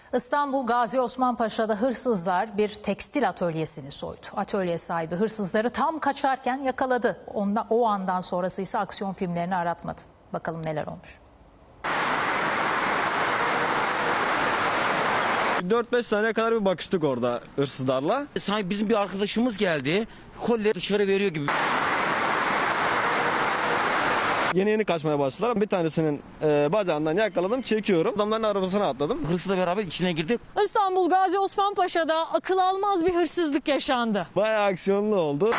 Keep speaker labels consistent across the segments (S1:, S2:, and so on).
S1: İstanbul Gazi Osman Paşa'da hırsızlar bir tekstil atölyesini soydu. Atölye sahibi hırsızları tam kaçarken yakaladı. O andan sonrası ise aksiyon filmlerini aratmadı. Bakalım neler olmuş.
S2: 4-5 saniye kadar bir bakıştık orada hırsızlarla.
S3: Sanki bizim bir arkadaşımız geldi. Kolleri dışarı veriyor gibi.
S2: Yeni kaçmaya başladılar. Bir tanesinin bacağından yakaladım, çekiyorum. Adamların arabasına atladım.
S3: Hırsızla beraber içine girdik.
S4: İstanbul Gazi Osman Paşa'da akıl almaz bir hırsızlık yaşandı.
S2: Bayağı aksiyonlu oldu.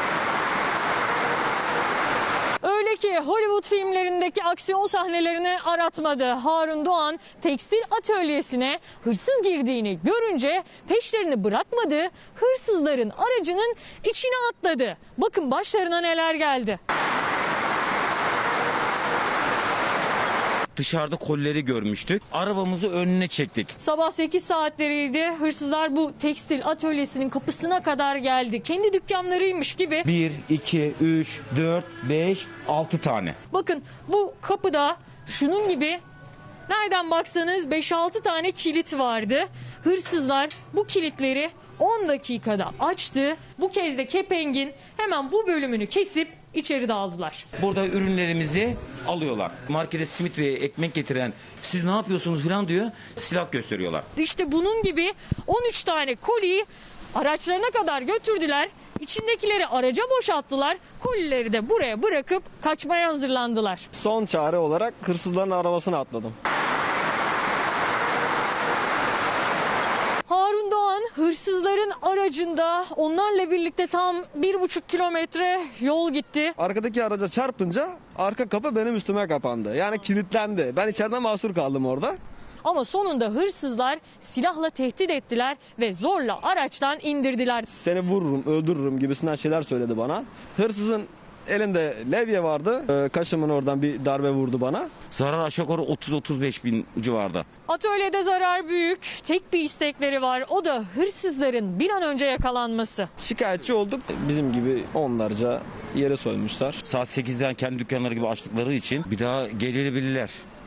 S4: Öyle ki Hollywood filmlerindeki aksiyon sahnelerini aratmadı. Harun Doğan tekstil atölyesine hırsız girdiğini görünce peşlerini bırakmadı. Hırsızların aracının içine atladı. Bakın başlarına neler geldi.
S3: Dışarıda kolleri görmüştük. Arabamızı önüne çektik.
S4: Sabah 8 saatleriydi. Hırsızlar bu tekstil atölyesinin kapısına kadar geldi. Kendi dükkanlarıymış gibi.
S3: 1, 2, 3, 4, 5, 6 tane.
S4: Bakın bu kapıda şunun gibi nereden baksanız 5-6 tane kilit vardı. Hırsızlar bu kilitleri 10 dakikada açtı. Bu kez de kepengin hemen bu bölümünü kesip içeri daldılar.
S3: Burada ürünlerimizi alıyorlar. Markete simit ve ekmek getiren siz ne yapıyorsunuz falan diyor. Silah gösteriyorlar.
S4: İşte bunun gibi 13 tane koliyi araçlarına kadar götürdüler. İçindekileri araca boşalttılar. Kolileri de buraya bırakıp kaçmaya hazırlandılar.
S2: Son çare olarak hırsızların arabasına atladım.
S4: Harun Doğan hırsızların aracında onlarla birlikte tam 1,5 kilometre yol gitti.
S2: Arkadaki araca çarpınca arka kapı benim üstüme kapandı. Yani kilitlendi. Ben içeride mahsur kaldım orada.
S4: Ama sonunda hırsızlar silahla tehdit ettiler ve zorla araçtan indirdiler.
S2: Seni vururum, öldürürüm gibisinden şeyler söyledi bana. Hırsızın elinde levye vardı. Kaşımın oradan bir darbe vurdu bana.
S3: Zarar aşağı yukarı 30-35 bin civarda.
S4: Atölyede zarar büyük. Tek bir istekleri var. O da hırsızların bir an önce yakalanması.
S2: Şikayetçi olduk. Bizim gibi onlarca yere soymuşlar.
S3: Saat 8'den kendi dükkanları gibi açtıkları için bir daha gelebilirler.